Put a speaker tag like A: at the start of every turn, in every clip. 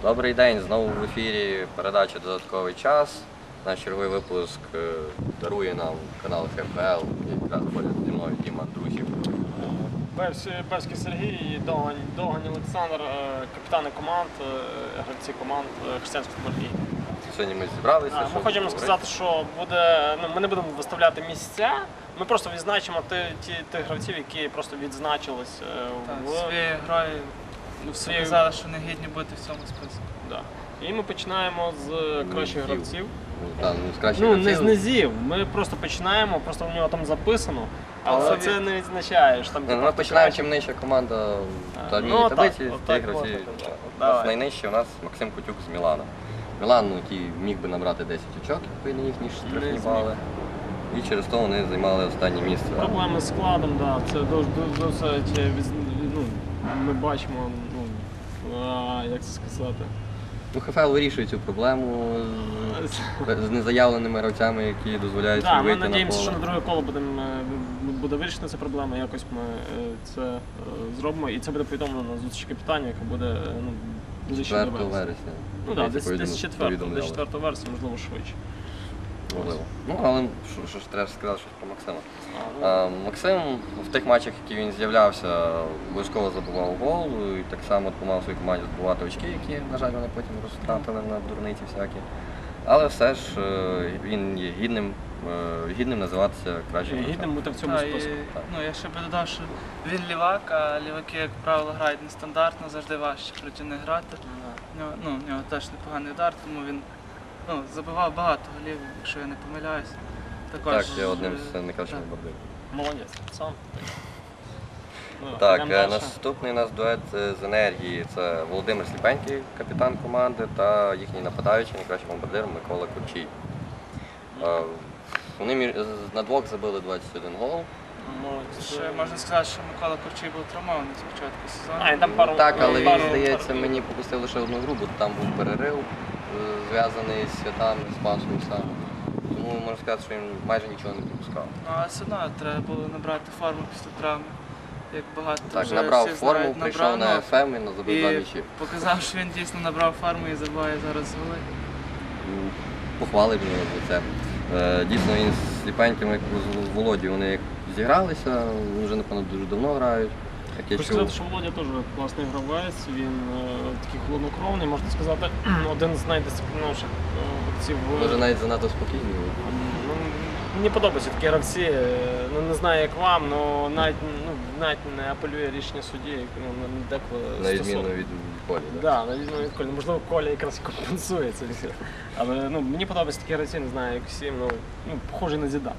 A: Добрий день, знову в ефірі передача «Додатковий час». Наш черговий випуск дарує нам канал ХФЛ, якраз поряд зі мною Діма Андрусів.
B: Берський Сергій і Довгань Олександр, капітани команд, гравці команд Християнської футбольної.
A: Сьогодні ми зібралися.
B: Ми хочемо сказати, що ми не будемо виставляти місця, ми просто відзначимо тих гравців, які просто відзначились
C: своєю грою. Сказали, що не гідні бути в цьому списку.
B: Да. І ми починаємо з кращих гравців.
A: Не
B: з низів. Ми просто починаємо, просто в нього там записано, але це не відзначаєш.
A: Ми починаємо, чим нижча команда в одній таблиці, тих гравців. Найнижче у нас Максим Кутюк з Мілана. Мілан, який міг би набрати 10 очок, якби не їхні штрафні бали. І через то вони займали останнє місце.
B: Проблеми з складом, так. Це досить, ми бачимо, як це сказати.
A: ХФЛ вирішує цю проблему з незаявленими гравцями, які дозволяють собі вийти на поле.
B: Ми сподіваємося, що на друге коло буде вирішена ця проблема, якось ми це зробимо. І це буде повідомлено на зустрічі капітанів, яка буде ближче до
A: 4 вересня.
B: Ну так, десь 4 вересня, можливо, швидше.
A: Можливо. Але що ж треба сказати щось про Максима. Максим в тих матчах, які він з'являвся, обов'язково забував гол і так само допомагав своїй команді збивати очки, які, на жаль, вони потім розтратили на дурниці всякі. Але все ж він є гідним називатися кращим гравцем.
B: Гідним бути в цьому списку.
C: Я ще би додав, що він лівак, а ліваки, як правило, грають нестандартно, завжди важче проти них грати. В нього теж непоганий удар, тому він забивав багато голів, якщо я не помиляюсь.
A: Так, я одним з найкращих бомбардирів.
B: Молодець, сам.
A: Так, наступний у нас дует з енергії. Це Володимир Сліпенький, капітан команди, та їхній нападаючий, найкращий бомбардир Микола Курчій. Вони на двох забили 21 гол.
C: Ще можна сказати, що Микола Курчій був травмований з початку сезону.
A: Так, але він, здається, мені пропустив лише одну гру, бо там був перерив, зв'язаний з святами, з Пасхою саме. Тому можна сказати, що він майже нічого не пропускав.
C: Але все одно треба було набрати форму після травми. Як багато
A: так,
C: вже
A: набрав
C: всі
A: форму,
C: знають,
A: прийшов на ФМ і забив 2 м'ячі.
C: Показав, що він дійсно набрав форму і забиває зараз голи.
A: Похвалив його за це. Дійсно, він з Сліпеньким, як з Володі, вони як зігралися, вже, напевно, дуже давно грають.
B: Хочу сказати, що Володя теж класний гравець, він такий холоднокровний, можна сказати, один з найдисциплінованіших гравців.
A: Може навіть занадто спокійний.
B: Мені подобаються такі гравці, не знаю як вам, але навіть не апелює рішення судді, деколи
A: на відміну від Колі, так?
B: Так, на відміну від Колі. Можливо, Коля якраз компенсує це все. Але мені подобаються такі гравці, не знаю як всім, похожий на Зідан.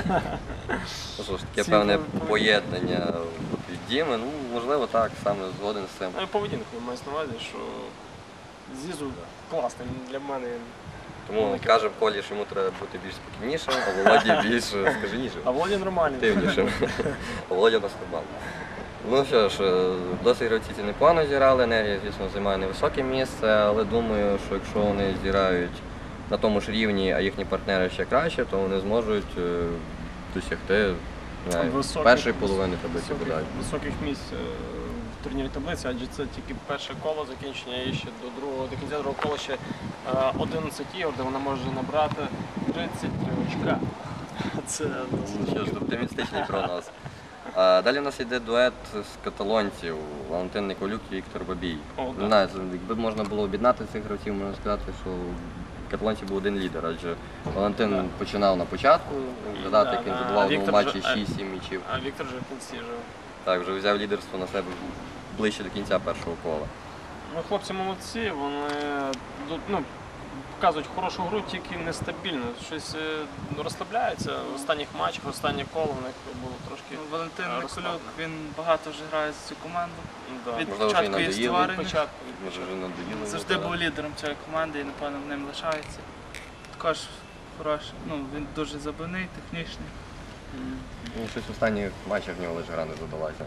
A: Таке певне поєднання від Діми, можливо так, саме згоден з цим.
B: Поведінку маю на увазі, що Зізу класний для мене.
A: Тому кажемо Колі, що йому треба бути більш спокійнішим, а Володі більш скаженішим.
B: А Володя нормальний.
A: Активнішим. А Володя у нас нормальний. Ну що ж, досить гравці ці непогано зіграли, енергія, звісно, займає невисоке місце, але думаю, що якщо вони зіграють на тому ж рівні, а їхні партнери ще краще, то вони зможуть досягти першої половини таблиці.
B: Високих місць в турнірі таблиці, адже це тільки перше коло закінчення і ще до кінця другого кола ще 11 ігор, де вона може набрати 33 очка. Це
A: оптимістичний прогноз. Далі у нас йде дует з каталонців Валентин Николюк і Віктор Бабій. Не знаю, якби можна було об'єднати цих гравців, можна сказати, що каталонців був один лідер, адже Валентин починав на початку, згадати, як він забував в матчі 6-7 м'ячів.
B: А Віктор вже в кінці жив.
A: Так, вже взяв лідерство на себе ближче до кінця першого кола.
B: Хлопці молодці, вони показують хорошу гру, тільки нестабільно. Щось розслабляються в останніх матчах, в останнє коло в них було трошки.
C: Валентин Николюк, він багато вже грає за цю команду. Від
A: можливо,
C: початку її створення. Завжди був лідером цієї команди і, напевно, ним лишається. Також хороший, він дуже забивний, технічний.
A: Щось в останніх матчах в нього лише гра не задалася.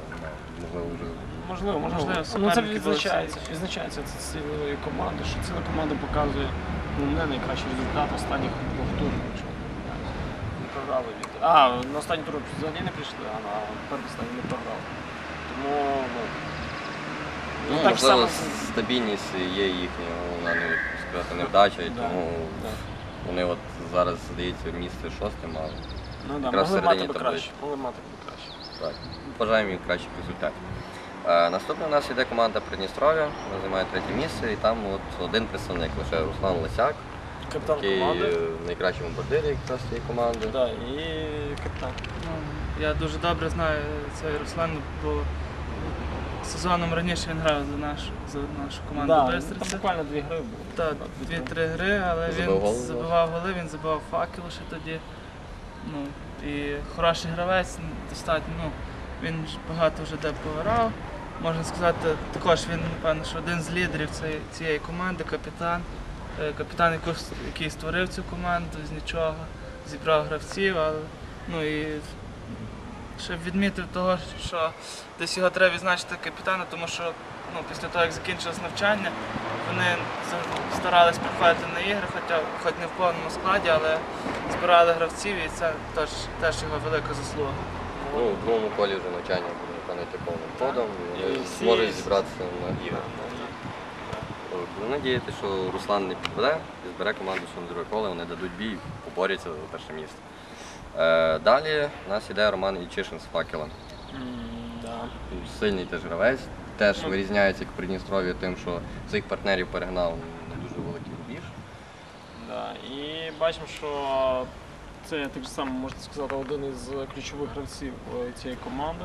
B: Можливо. Це відзначається цілої команди, що ціла команда показує не найкращий результат останніх двох турів. Не програли Віктор. На останній тур взагалі не прийшли, а на передостанній не програли. Тому
A: Ну,
B: Так
A: можливо,
B: само-
A: стабільність є їхня, вона не сказати невдача, і
B: Да,
A: тому
B: да.
A: вони от зараз, здається, місце 6 мали.
B: Ну да,
A: якраз
B: могли
A: всередині
B: мати би
A: таблиці.
B: краще. Могли мати би краще.
A: Так, бажаємо їм кращих результатів. Наступна у нас йде команда Придністров'я, вона займає 3 місце, і там от один представник, лише Руслан Лисяк,
B: Капітан
A: який
B: команди.
A: найкращий бомбардир якраз цієї команди.
B: Да, і капітан.
C: Ну, я дуже добре знаю цей Руслан, бо сезоном раніше він грав за нашу команду
B: Да, там
C: Бистриця.
B: буквально 2 гри було.
C: Так,
B: Да,
C: 2-3 гри, але
A: Забив
C: він
A: гол,
C: забивав голи, він забивав факел ще тоді. Ну, і хороший гравець, достатньо, ну, він ж багато вже де пограв. Можна сказати, також він, напевно, що один з лідерів цієї команди, капітан. Капітан, який створив цю команду з нічого, зібрав гравців, але ну і ще відмітив того, що десь його треба відзначити капітана, тому що ну, після того, як закінчилось навчання, вони старались приходити на ігри, хоч не в повному складі, але збирали гравців, і це теж його велика заслуга.
A: Ну, у другому колі вже навчання буде виконати повним ходом, і
B: І
A: вони
B: всі-
A: зможуть зібратися на ігри. Буду надіяти, що Руслан не підведе і збере команду ще на друге коло, вони дадуть бій, поборються за перше місце. Далі у нас іде Роман Ільчишин з факелом.
B: Да.
A: Сильний теж гравець, теж
B: Ну.
A: вирізняється як Придністров'я тим, що своїх партнерів перегнав на дуже великий рубіж.
B: Да. І бачимо, що це так само, можна сказати, один із ключових гравців цієї команди.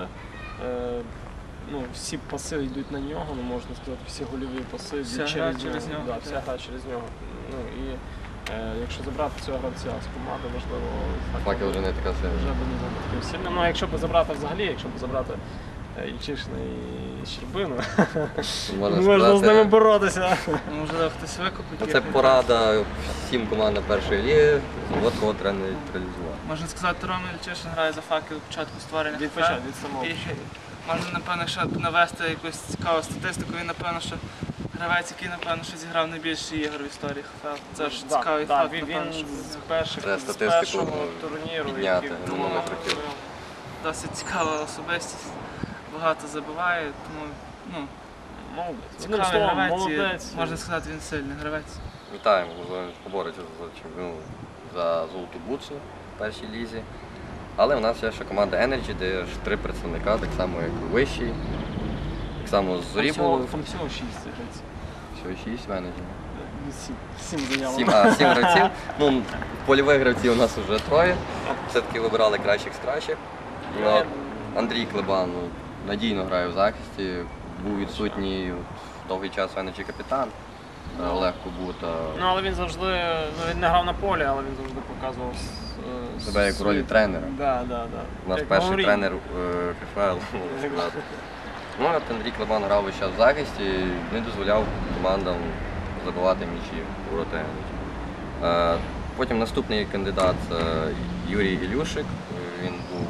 B: Ну, всі паси йдуть на нього, ну, можна сказати, всі гольові паси йдуть
C: Вся гра через нього,
B: Да,
C: так.
B: вся гра через нього. Ну, і якщо забрати цього гравця з команди, можливо,
A: Факел вже не така
B: вже
A: сильна.
B: б не був таким сильним. Ну, а якщо б забрати взагалі, якщо б забрати Ільчишина і Щербину, можна з ними боротися.
C: Можливо, хтось викупить.
A: Ну,
C: їх.
A: це порада всім командам першої ліги, от кого треба нейтралізувати.
C: Можна сказати, Рома Ільчишин грає за факел від початку створення
B: Від
C: ХФЛ.
B: початку, від самого.
C: І можна, напевно, ще навести якусь цікаву статистику. Він, напевно, що гравець, який, напевно, що зіграв найбільше ігор в історії ХФЛ. Це ж
B: Да,
C: цікавий
B: да,
C: факт,
B: він
C: напевно, що
B: з перших
A: Треба
B: з
A: статистику
B: першого турніру,
A: підняти,
B: який
A: ну,
B: було,
A: не хотів.
C: досить цікава особистість, багато забиває, тому ну,
B: молодець. Одним
C: цікавий
B: словом,
C: гравець,
B: молодець.
C: і, можна сказати, він сильний гравець.
A: Вітаємо, можливо, він побореться за чемпіон за золоту бутсу в першій лізі. Але у нас є ще команда Energy, де ж 3 представника, так само як у вищій. Так само з Зорі було.
B: Там всього 6 гравців.
A: Всього 6 менеджерів.
B: 7 заявок.
A: 7 гравців. Ну, польових гравців у нас вже 3. Все-таки вибирали кращих з кращих. Ну, Андрій Клебан ну, надійно грає в захисті, був відсутній довгий час Energy капітан. Олег Кубута.
B: Ну, але він завжди, ну, він не грав на полі, але він завжди показував
A: Себе як в ролі тренера.
B: Да, да, да.
A: У нас
B: Як
A: перший
B: Мауріньо.
A: тренер КФЛ, можна сказати. Ну, от Андрій Клебан грав весь час в захисті, не дозволяв командам забивати м'ячі у ворота Energy. Потім наступний кандидат це Юрій Ілюшик. Він був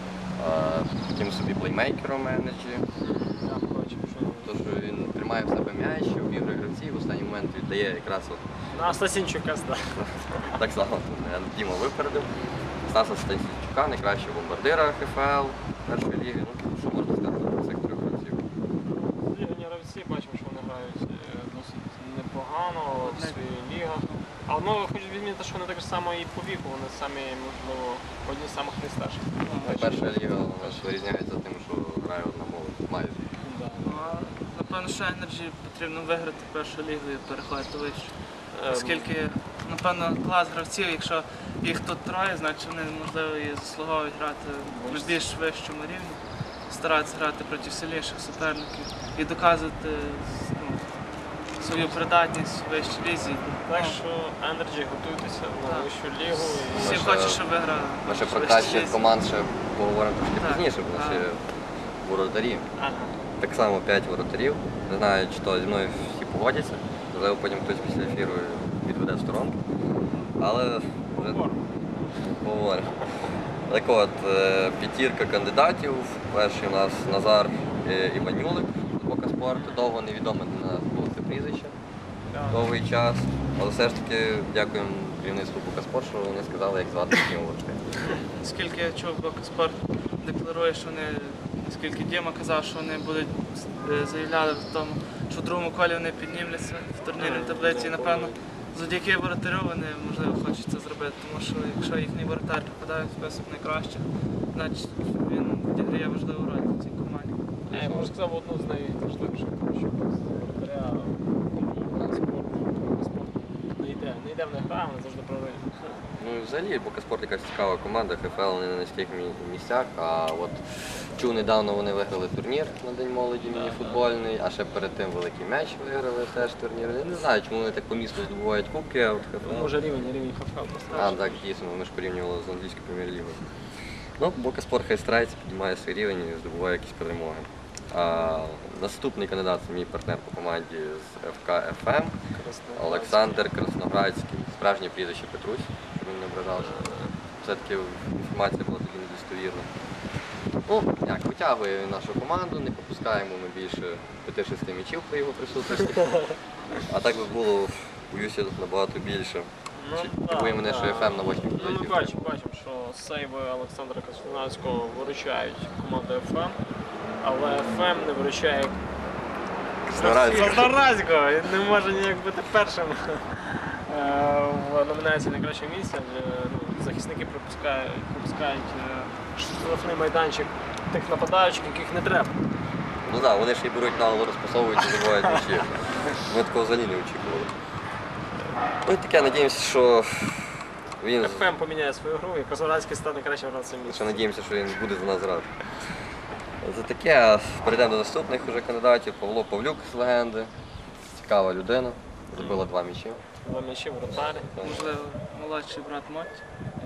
A: таким собі плеймейкером Energy.
B: Я бачив, що
A: Тож він тримає в себе м'яч, обігрує гравців, в останній момент віддає якраз от
B: на Стасінчука здав.
A: так само Діма випередив. Стаса Стасінчука, найкращого бомбардира ХФЛ першої ліги. Ну, що можна сказати про цих 3 гравців?
B: Лігні гравці, бачимо, що вони грають досить непогано в своїх лігах. Але ну, хочу відмітити, що вони так само і по віку, вони самі, можливо, одні з самих найстарших.
A: Перша ліга у нас вирізняється тим, що грає одна молодь майже.
B: Да.
C: Ну, а, напевно, що Energy потрібно виграти першу лігу і переходити вище. Оскільки, напевно, клас гравців, якщо їх тут 3, значить вони, можливо, і заслуговують грати на більш вищому рівні, старатися грати проти сильніших суперників і доказувати ну, свою придатність в вищій лізі.
B: Так
C: Ну,
B: що Energy готуйтеся на
C: Так.
B: вищу лігу.
C: всі
A: Наша-
C: хочуть, щоб виграли.
A: Ми ще про
C: в вищій
A: кращих
C: лізі.
A: команд ще поговоримо трошки
C: Так,
A: пізніше, бо
C: так.
A: ще воротарі.
B: Ага.
A: Так само 5 воротарів. Не знаю, чи то зі мною всі погодяться. Можливо, потім хтось після ефіру відведе в сторонку. Але вже поговоримо. Так от, 5 кандидатів. Перший у нас Назар Іванюлик з Бока спорту. Довго невідоме для нас було це прізвище. Довгий час. Але все ж таки дякуємо керівництву Бока спорт, що вони сказали, як звати їхнього воротаря.
C: Оскільки я чув, Бока спорт декларує, що вони оскільки Діма казав, що вони будуть заявляли в тому, що в другому колі вони піднімляться в турнірній таблиці. І, напевно, завдяки воротарю вони, можливо, хочуть це зробити, тому що якщо їхній воротар попадає в список найкращих, значить він відіграє важливу роль в цій команді.
B: Я можу сказати, одну з найважливіших, тому що без воротаря спорту не йде в них гра, вони завжди програють.
A: Ну і взагалі Бокаспорт якась цікава команда, ХФЛ вони на низьких місцях, а от чув недавно вони виграли турнір на День молоді мініфутбольний, а ще перед тим великий м'яч виграли теж турнір. Я не знаю, чому вони так по місту здобувають кубки, а от ХФЛ.
B: Може рівень ХФЛ
A: А,
B: поставити.
A: так, дійсно, ми ж порівнювали з англійською прем'єр-лігою. Ну, Бокаспорт хай старається, піднімає свій рівень і здобуває якісь перемоги. А наступний кандидат це мій партнер по команді з ФК ФМ Олександр Красноградський. Справжнє прізвище Петрусь, щоб він не ображався. Все-таки інформація була тоді недостовірна. Ну, як, витягує він нашу команду, не пропускаємо ми більше 5-6 м'ячів при його присутності. А так би було, боюся, набагато більше. Дивує мене, що ФМ на 8
B: Ну, ми бачимо, що сейви Олександра Красноградського виручають команду ФМ, але ФМ не виручає Красноградського. Він не може ніяк бути першим в номінації найкращого місця. Захисники пропускають штрафний майданчик тих нападаючих, яких не треба.
A: Ну так, вони ж і беруть наголо, розпасовують і забувають м'ячі. Ми такого взагалі не очікували. Ну і таке, надіємося, що він...
B: ФМ поміняє свою гру і Красноградський стане кращим гравцем місця.
A: Що надіємося, що він буде за нас грати. За таке перейдемо до наступних уже кандидатів. Павло Павлюк з легенди. Цікава людина. Забила 2 м'ячі.
B: 2 м'ячі, вратарі.
C: Можливо, молодший брат Мотті.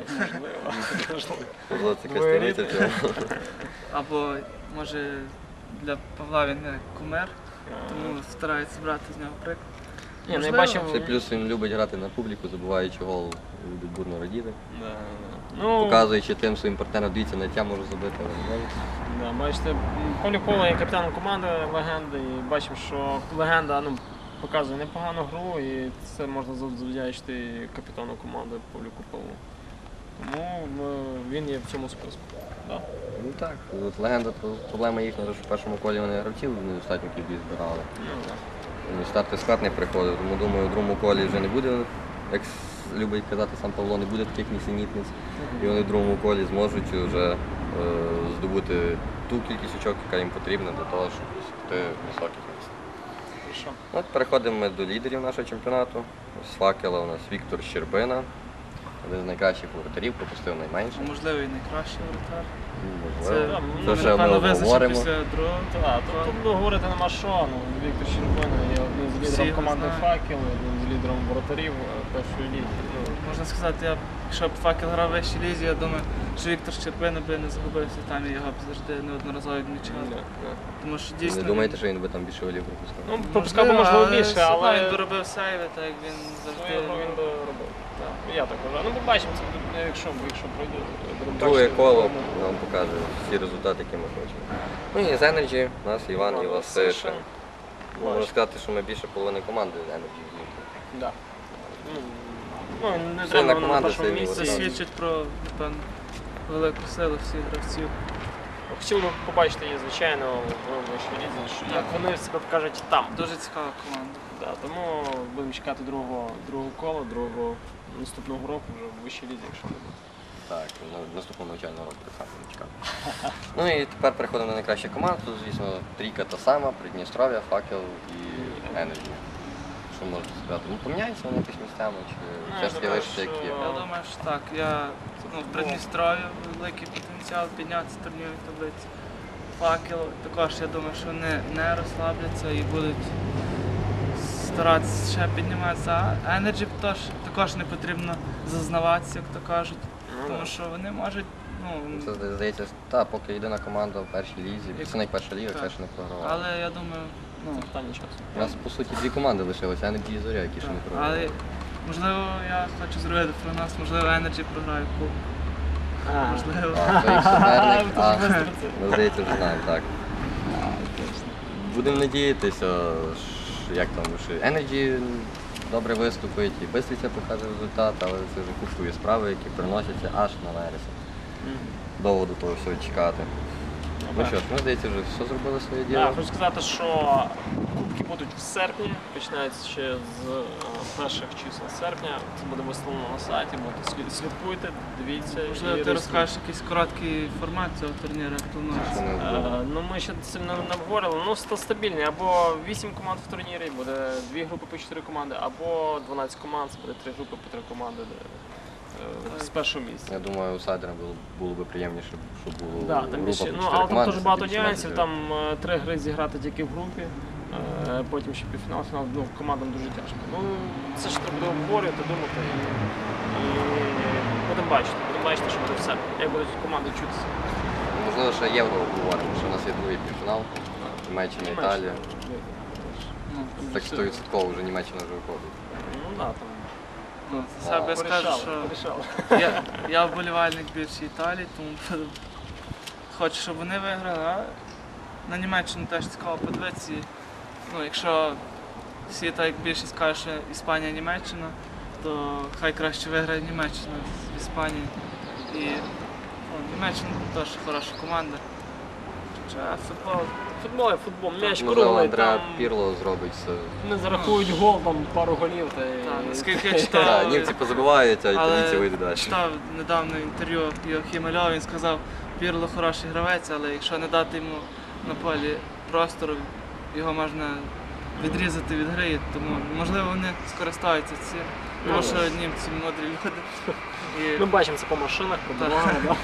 A: Павло це костяниця цього.
C: Або, може, для Павла він як кумир, тому старається брати з нього приклад.
B: Ні, ну я
C: Можливо.
B: бачив...
A: Ще плюс він любить грати на публіку, забуваючи гол, любить бурно радіти.
B: Ну,
A: Показуючи тим своїм партнерам, дивіться, на тя можу забити, але не можу.
B: да, бачите, Павлюк Павло є капітаном команди легенди, і бачимо, що легенда показує непогану гру, і це можна завдячити капітану команди Павлюку Павлу. Тому він є в цьому списку. Да.
A: Ну так, от легенда, проблема їхня, що в першому колі вони гравців недостатньо кількість збирали.
B: Ну, да.
A: Старти склад не приходив, тому думаю, в другому колі вже не буде, як любить казати сам Павло, не буде таких нісенітниць. І вони в другому колі зможуть вже здобути ту кількість очок, яка їм потрібна для того, щоб досягти високих місць.
B: Хорошо.
A: От переходимо ми до лідерів нашого чемпіонату. З факела у нас Віктор Щербина, один з найкращих воротарів, пропустив найменше.
C: Можливо, і найкращий воротар.
A: Можливо.
B: Це,
A: Це ще ми
C: напевно, визначив
A: обговоримо.
C: після другого.
B: Так, тут говорити нема що. Віктор Щербина є одним з
C: Всі
B: лідером
C: його
B: команди
C: знають.
B: «Факел», одним з лідером воротарів першої ліги.
C: Можна сказати, якщо б факел грав в вищій лізі, я думаю, що Віктор Щербина би не загубився там і його б завжди неодноразово відмічали. Тому що
A: Ви
C: дійсно.
A: не думаєте, що він би там більше голів пропускав?
B: Ну, пропускав би, можливо, більше,
C: все одно
B: але
C: він би робив сейви, так як він завжди.
B: свою гру він би робив. Я так вважаю. Ну, побачимо, це якщо пройде, будемо
A: Друге
B: бачити.
A: коло нам покаже всі результати, які ми хочемо. Ну і з Energy у нас Іван Івасишин. Можна сказати, що ми більше половини команди Energy злітли.
B: Да. Ну, не
A: Сильна
B: треба на
A: команда,
B: першому
A: сильний
B: місці.
C: Це
A: воротар.
C: свідчить про, напевно, велику силу всіх гравців.
B: Хотів би побачити її, звичайно, в вищій лізі, що як вони себе покажуть там.
C: Дуже цікава команда.
B: Да, тому будемо чекати другого кола, другого наступного року вже в вищій лізі, якщо не буде.
A: Так, наступного навчального року так само не чекав. Ну і тепер переходимо на найкращу команду. Тут, звісно, трійка та сама, Придністров'я, Факел і Energy. Що можете сказати? Ну, поміняються вони якось місцями, чи все ж таки
B: думаю,
A: лишиться, як є?
C: Я думаю, що так. В Придністров'ї великий потенціал піднятися в турнірній таблиці. Факел також, я думаю, що вони не розслабляться і будуть старатися ще підніматися. А Energy також не потрібно зазнаватися, як то кажуть. Тому що вони можуть,
A: Це здається, поки єдина команда в першій лізі, це найперша ліга,
C: Так.
A: це ще не програвала.
C: але я думаю,
B: Це питання часу.
A: У нас, по суті, дві команди лишилися, Energy і Зоря, які ще не програвали.
C: але можливо я хочу зробити прогноз, можливо Energy програє кубок. Можливо.
A: То їх суперник,
B: А,
A: ми, здається, вже знаємо, так. Будемо надіятися, як там, що Energy добре виступить і Бистриця покаже результат, але це вже купує справи, які приносяться аж на вересень. Довго до того всього чекати. Ну що ж, ми, здається, вже все зробили своє діло.
B: Хочу сказати, що кубки будуть в серпні, починаються ще з перших чисел серпня. Це буде виставлено на сайті, слідкуйте, дивіться.
C: Можливо, ти розкажеш якийсь короткий формат цього турніру, як планується.
A: Що не було.
B: Ну, ми ще сильно не обговорили. Ну, стабільний. Або 8 команд в турнірі, буде 2 групи по 4 команди, або 12 команд, це буде 3 групи по 3 команди з першого місця.
A: Я думаю, аутсайдерам було б приємніше, щоб було
B: Да, там
A: група
B: більше,
A: по
B: ну,
A: 4
B: але там
A: команди,
B: дуже багато
A: більше
B: нюансів,
A: матчів.
B: там 3 гри зіграти тільки в групі, потім ще півфінал, фінал, ну, командам дуже тяжко. Ну, це ж треба буде обговорювати, думати і будемо бачити, що буде все, як будуть команди чутися.
A: Можливо, ще євро обговоримо, що у нас є другий півфінал, Німеччина, Італія.
C: Ну,
A: Так 100% вже Німеччина вже виходить.
B: Ну, да, там.
C: ну, за себе я скажу, що
B: Порішали.
C: я вболівальник більше Італії, тому хочу, щоб вони виграли, а на Німеччину теж цікаво подивитися. І, ну, якщо всі так як більшість кажуть, що Іспанія, Німеччина, то хай краще виграє Німеччина з Іспанії. І Німеччина теж хороша команда. Хоча футбол,
B: м'яч
A: Можливо,
B: круглий,
A: Андреа
B: там
A: Пірло зробить все.
B: не зарахують гол, там пару голів. Та
C: Так,
B: і...
C: наскільки я
A: Так,
C: читав,
A: німці позабивають, а італійці
C: але
A: вийдуть далі.
C: читав недавно інтерв'ю Йохіма Льова, він сказав, Пірло хороший гравець, але якщо не дати йому на полі простору, його можна відрізати від гри, тому можливо вони скористаються цим, тому що німці мудрі люди. І
B: Ми бачимо це по машинах, по
C: Так.
B: дорогам. Да?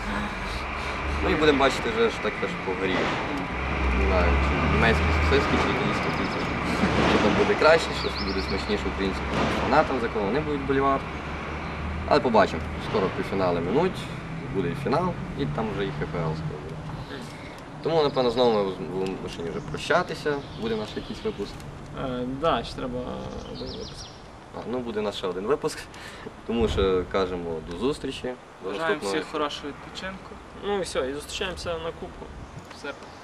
A: Ну і будемо бачити вже ж так теж по горі. Не знаю, чи німецькі сосиски, чи італійські піци. Що там буде краще, що буде смачніше українським фанатам, за кого вони будуть болівати. Але побачимо. Скоро півфінали минуть, буде і фінал, і там вже і ХПЛ скоро буде. Тому, напевно, знову ми вимушені вже прощатися. Буде наш якийсь випуск.
B: Да, ще треба один випуск.
A: Ну, буде наш ще один випуск. Тому що кажемо до зустрічі. До
C: бажаємо
A: наступного.
C: всіх хорошого відпочинку.
B: Ну і все, і зустрічаємося на кубку в серпні.